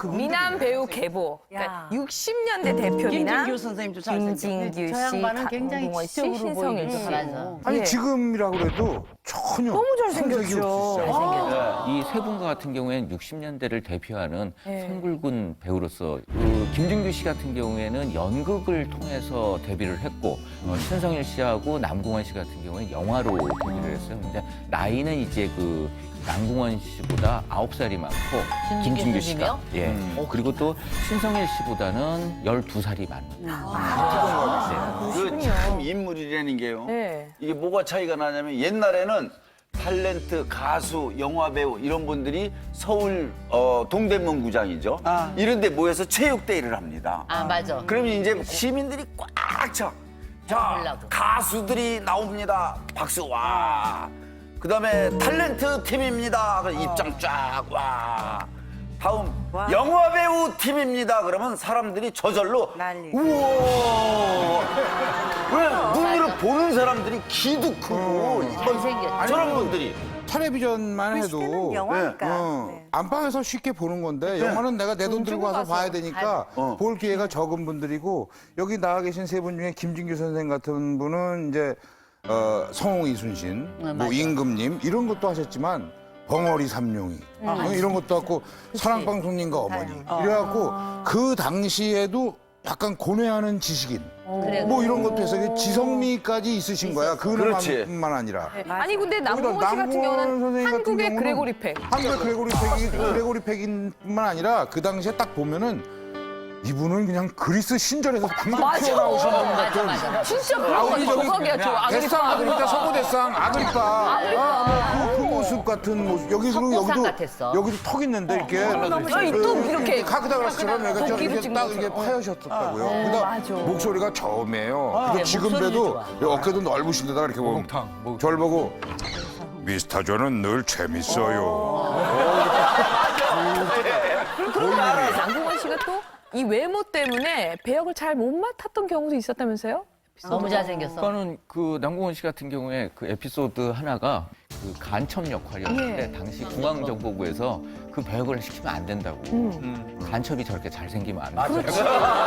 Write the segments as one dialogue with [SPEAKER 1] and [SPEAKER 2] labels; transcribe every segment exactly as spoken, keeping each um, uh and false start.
[SPEAKER 1] 그분
[SPEAKER 2] 미남 배우 계보. 그러니까 육십 년대 대표 미남.
[SPEAKER 3] 김진규 선생님도 잘생겼고.
[SPEAKER 2] 김진규
[SPEAKER 3] 저
[SPEAKER 2] 씨,
[SPEAKER 3] 양반은 굉장히
[SPEAKER 2] 강동원 씨,
[SPEAKER 3] 지적으로
[SPEAKER 2] 신성일
[SPEAKER 3] 보이고.
[SPEAKER 2] 씨.
[SPEAKER 3] 맞아.
[SPEAKER 1] 아니
[SPEAKER 2] 예.
[SPEAKER 1] 지금이라고 그래도 전혀
[SPEAKER 2] 너무 잘생겼죠.
[SPEAKER 1] 손색이 없으시죠.
[SPEAKER 4] 이 세 분과 같은 경우에는 육십 년대를 대표하는
[SPEAKER 2] 네.
[SPEAKER 4] 선굵은 배우로서 그 김준규 씨 같은 경우에는 연극을 통해서 데뷔를 했고 어, 신성일 씨하고 남궁원 씨 같은 경우에는 영화로 데뷔를 했어요. 근데 나이는 이제 그 남궁원 씨보다 아홉 살이 많고
[SPEAKER 3] 김준규
[SPEAKER 4] 김준규 씨가
[SPEAKER 3] 선생님이요?
[SPEAKER 4] 예.
[SPEAKER 1] 음.
[SPEAKER 4] 어, 그리고 또 신성일 씨보다는 열두 살이 많습니다.
[SPEAKER 5] 그 참 인물이라는 게요.
[SPEAKER 2] 네.
[SPEAKER 5] 이게 뭐가 차이가 나냐면 옛날에는 탤런트, 가수, 영화배우 이런 분들이 서울 어, 동대문구장이죠. 이런 데 모여서 체육대회를 합니다.
[SPEAKER 3] 아, 맞아.
[SPEAKER 5] 그러면 이제 시민들이 꽉 차. 자,
[SPEAKER 3] 보려고.
[SPEAKER 5] 가수들이 나옵니다. 박수 와. 그다음에 탤런트 팀입니다. 그럼 입장 쫙 와. 다음 영화배우 팀입니다. 그러면 사람들이 저절로
[SPEAKER 6] 난리.
[SPEAKER 5] 우와. 왜 눈으로 보는 사람들이 키도 크고
[SPEAKER 3] 잘생겼죠.
[SPEAKER 5] 저런 분들이
[SPEAKER 1] 텔레비전만
[SPEAKER 6] 그 시대는
[SPEAKER 1] 해도
[SPEAKER 6] 영화니까.
[SPEAKER 1] 어,
[SPEAKER 6] 네.
[SPEAKER 1] 안방에서 쉽게 보는 건데 영화는 내가 내 돈 들고 와서 봐야 되니까
[SPEAKER 5] 어.
[SPEAKER 1] 볼 기회가 적은 분들이고 여기 나와 계신 세 분 중에 김진규 선생 같은 분은 이제 어, 성홍 이순신, 뭐
[SPEAKER 3] 맞아.
[SPEAKER 1] 임금님 이런 것도 하셨지만 벙어리 삼룡이 어, 이런 것도 하고 사랑방송님과 어머니 이래갖고 그 당시에도 약간 고뇌하는 지식인
[SPEAKER 3] 그래.
[SPEAKER 1] 뭐 이런 것도 해서 지성미까지 있으신 거야.
[SPEAKER 5] 그렇지.
[SPEAKER 1] 그뿐만 아니라.
[SPEAKER 2] 아니 근데 남궁원 씨
[SPEAKER 1] 거기다
[SPEAKER 2] 같은
[SPEAKER 1] 남궁원
[SPEAKER 2] 경우는
[SPEAKER 1] 선생님 같은
[SPEAKER 2] 한국의
[SPEAKER 1] 경우는
[SPEAKER 2] 그레고리 팩.
[SPEAKER 1] 한국의 그레고리 팩이 그레고리 팩인뿐만 아니라 그 당시에 딱 보면은 이분은 그냥 그리스 신전에서 방금
[SPEAKER 2] 맞아.
[SPEAKER 1] 튀어나오신 분
[SPEAKER 3] 맞아,
[SPEAKER 1] 같은.
[SPEAKER 3] 맞아.
[SPEAKER 2] 진짜 그런 거
[SPEAKER 1] 아우리 저기
[SPEAKER 2] 정확이야. 저
[SPEAKER 1] 대상
[SPEAKER 2] 아그리파.
[SPEAKER 1] 아그리파 서구 대상 아그리파 아, 뭐 그, 그 모습 같은 모습 여기도
[SPEAKER 3] 석고상
[SPEAKER 1] 여기도
[SPEAKER 3] 같았어.
[SPEAKER 1] 여기도 턱 있는데 이렇게
[SPEAKER 2] 아니, 또 이렇게
[SPEAKER 1] 카크다라스처럼 이렇게 좀
[SPEAKER 2] 도끼로
[SPEAKER 1] 이렇게
[SPEAKER 2] 찍는
[SPEAKER 1] 딱
[SPEAKER 2] 것처럼.
[SPEAKER 1] 이렇게 파여셨다고요.
[SPEAKER 2] 네,
[SPEAKER 1] 그다음
[SPEAKER 2] 맞아.
[SPEAKER 1] 목소리가 저음이에요. 근데
[SPEAKER 3] 네,
[SPEAKER 1] 지금
[SPEAKER 3] 목소리도
[SPEAKER 1] 봬도
[SPEAKER 3] 좋아.
[SPEAKER 1] 어깨도 넓으신 데다가 이렇게 보면 저를 보고 미스터 존은 늘 재밌어요.
[SPEAKER 2] 남궁원 씨가 또 이 외모 때문에 배역을 잘 못 맡았던 경우도 있었다면서요?
[SPEAKER 3] 너무 잘생겼어.
[SPEAKER 4] 그러니까는 그 남궁원 씨 같은 경우에 그 에피소드 하나가 그 간첩 역할이었는데
[SPEAKER 2] 예.
[SPEAKER 4] 당시 중앙정보부에서 그 배역을 시키면 안 된다고. 간첩이 저렇게 잘생기면 안 돼.
[SPEAKER 2] 그렇지.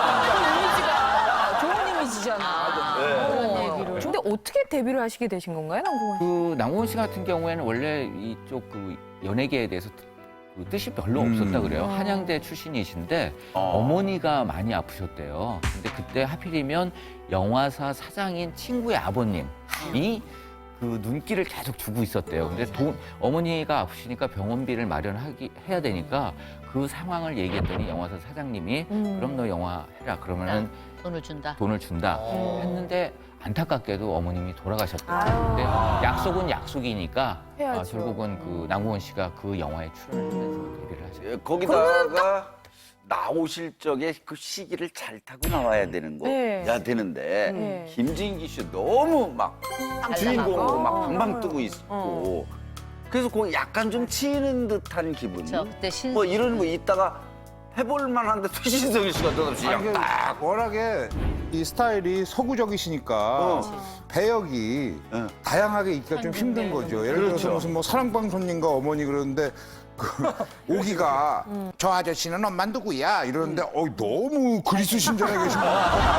[SPEAKER 2] 좋은 이미지잖아. 그런 얘기를. 근데 어떻게 데뷔를 하시게 되신 건가요, 남궁원 씨?
[SPEAKER 4] 그 남궁원 씨 같은 경우에는 원래 이쪽 그 연예계에 대해서 그 뜻이 별로 없었다 그래요. 한양대 출신이신데 어. 머니가 많이 아프셨대요. 근데 그때 하필이면 영화사 사장인 친구의 아버님이 그 눈길을 계속 주고 있었대요. 근데 돈, 어머니가 아프시니까 병원비를 마련하기 해야 되니까 그 상황을 얘기했더니 영화사 사장님이 그럼 너 영화 해라. 그러면은
[SPEAKER 3] 돈을 준다.
[SPEAKER 4] 돈을 준다 했는데 안타깝게도 어머님이 돌아가셨대요. 근데 약속은 약속이니까
[SPEAKER 2] 해야죠.
[SPEAKER 4] 아, 결국은 그 남궁원 씨가 그 영화에 출연을 하면서 데뷔를 하셨어요.
[SPEAKER 5] 예, 거기다가 나오실 적에 그 시기를 잘 타고 나와야 되는
[SPEAKER 2] 네.
[SPEAKER 5] 거야 되는데
[SPEAKER 2] 네.
[SPEAKER 5] 김진기 씨 너무 막 주인공으로 막 방방 뜨고 있고
[SPEAKER 2] 어.
[SPEAKER 5] 그래서 그 약간 좀 치이는 듯한 기분.
[SPEAKER 3] 저 그때 신
[SPEAKER 5] 뭐 이런 거 있다가 해볼 만한데 또 신성일 씨가 느닷없이
[SPEAKER 1] 아니,
[SPEAKER 5] 그냥
[SPEAKER 1] 그
[SPEAKER 5] 딱.
[SPEAKER 1] 워낙에 이 스타일이 서구적이시니까
[SPEAKER 5] 어.
[SPEAKER 1] 배역이
[SPEAKER 5] 어.
[SPEAKER 1] 다양하게 있기가 좀 힘든 거죠. 예를 들어서
[SPEAKER 5] 그렇죠.
[SPEAKER 1] 무슨 뭐 사랑방 손님과 어머니 그러는데 그 오기가 저 아저씨는 엄마 누구야 이러는데 어 너무 그리스 신전에 계신 분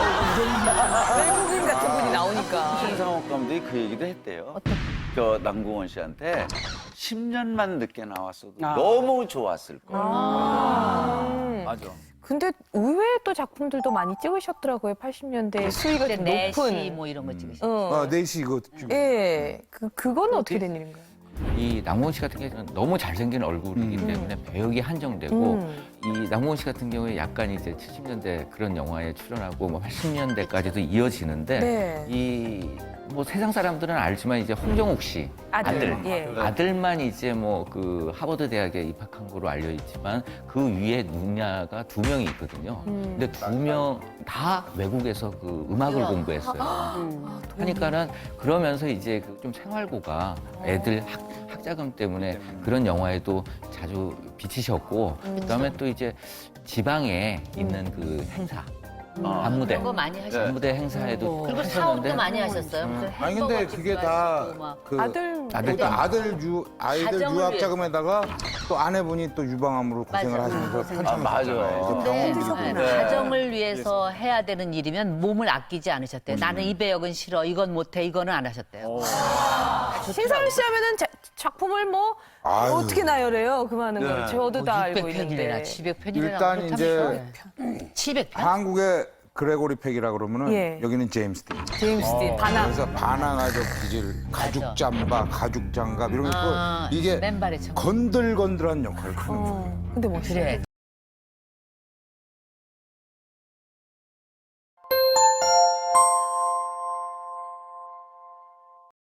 [SPEAKER 2] 외국인 같은 분이 나오니까.
[SPEAKER 5] 신상옥 감독이 그 얘기도 했대요. 저 남궁원 씨한테 십 년만 늦게 나왔어도 너무 좋았을 거야.
[SPEAKER 2] 음.
[SPEAKER 5] 맞아.
[SPEAKER 2] 근데 의외의 또 작품들도 많이 찍으셨더라고요. 팔십 년대 수위가
[SPEAKER 3] 그때
[SPEAKER 2] 좀
[SPEAKER 3] 내시
[SPEAKER 2] 높은.
[SPEAKER 3] 뭐 이런 거 찍으셨어.
[SPEAKER 2] 어.
[SPEAKER 1] 아, 네시 이거 좀
[SPEAKER 2] 예. 그, 그건 어떻게 된 일인가요?
[SPEAKER 4] 이 남궁원 씨 같은 경우는 너무 잘생긴 얼굴이기 때문에 배역이 한정되고
[SPEAKER 2] 음.
[SPEAKER 4] 이 남궁원 씨 같은 경우에 약간 이제 칠십 년대 그런 영화에 출연하고 뭐 팔십 년대까지도 이어지는데
[SPEAKER 2] 네.
[SPEAKER 4] 이 뭐 세상 사람들은 알지만 이제 홍정욱 씨
[SPEAKER 2] 아들.
[SPEAKER 4] 아들,
[SPEAKER 2] 예.
[SPEAKER 4] 아들만 이제 뭐 그 하버드 대학에 입학한 거로 알려 있지만 그 위에 누나가 두 명이 있거든요.
[SPEAKER 2] 음.
[SPEAKER 4] 근데 두 명 다 외국에서 그 음악을 공부했어요. 하니까는 그러면서 이제 그 좀 생활고가 애들 학, 학자금 때문에 그런 영화에도 자주 비치셨고 그다음에 또 이제 지방에 있는 그 행사 반무대.
[SPEAKER 3] 그런 거 많이 하셨어요.
[SPEAKER 4] 반무대 행사에도
[SPEAKER 3] 그리고
[SPEAKER 4] 하셨는데
[SPEAKER 3] 사업도 많이 하셨어요. 무슨
[SPEAKER 1] 아니 근데
[SPEAKER 3] 햄버거
[SPEAKER 1] 그게
[SPEAKER 3] 집도
[SPEAKER 1] 다
[SPEAKER 3] 하시고 막.
[SPEAKER 1] 그
[SPEAKER 2] 아들
[SPEAKER 4] 아들
[SPEAKER 1] 일단 아들 유 아이들
[SPEAKER 3] 가정을
[SPEAKER 1] 유학
[SPEAKER 3] 위해.
[SPEAKER 1] 자금에다가 또 아내분이 또 유방암으로 고생을
[SPEAKER 3] 맞아.
[SPEAKER 1] 하시면서
[SPEAKER 3] 고생.
[SPEAKER 1] 편찮으셨잖아요.
[SPEAKER 5] 아, 맞아.
[SPEAKER 1] 그래서
[SPEAKER 3] 근데
[SPEAKER 1] 병원
[SPEAKER 3] 네,
[SPEAKER 1] 비리고.
[SPEAKER 3] 가정을 위해서 해야 되는 일이면 몸을 아끼지 않으셨대요. 나는 이 배역은 싫어, 이건 못해, 이거는 안 하셨대요.
[SPEAKER 2] 신상일 씨 하면은 자- 작품을 뭐
[SPEAKER 1] 아유.
[SPEAKER 2] 어떻게 나열해요? 그 많은 걸
[SPEAKER 5] 네.
[SPEAKER 2] 저도 다 알고
[SPEAKER 3] 육백 편이래나
[SPEAKER 2] 있는데.
[SPEAKER 3] 칠백 편이래나
[SPEAKER 1] 일단 이제
[SPEAKER 3] 칠백 편?
[SPEAKER 1] 한국의 그레고리 팩이라 그러면은
[SPEAKER 2] 예.
[SPEAKER 1] 여기는 제임스 딘.
[SPEAKER 2] 제임스 딘 반항.
[SPEAKER 1] 그래서 반항아적 기질, 가죽 잠바, 가죽 장갑 이런 거 있고
[SPEAKER 3] 아,
[SPEAKER 1] 이게
[SPEAKER 3] 맨발의 청.
[SPEAKER 1] 건들건들한 역할을 하는 거예요.
[SPEAKER 2] 어, 근데 멋있어.
[SPEAKER 3] 그래.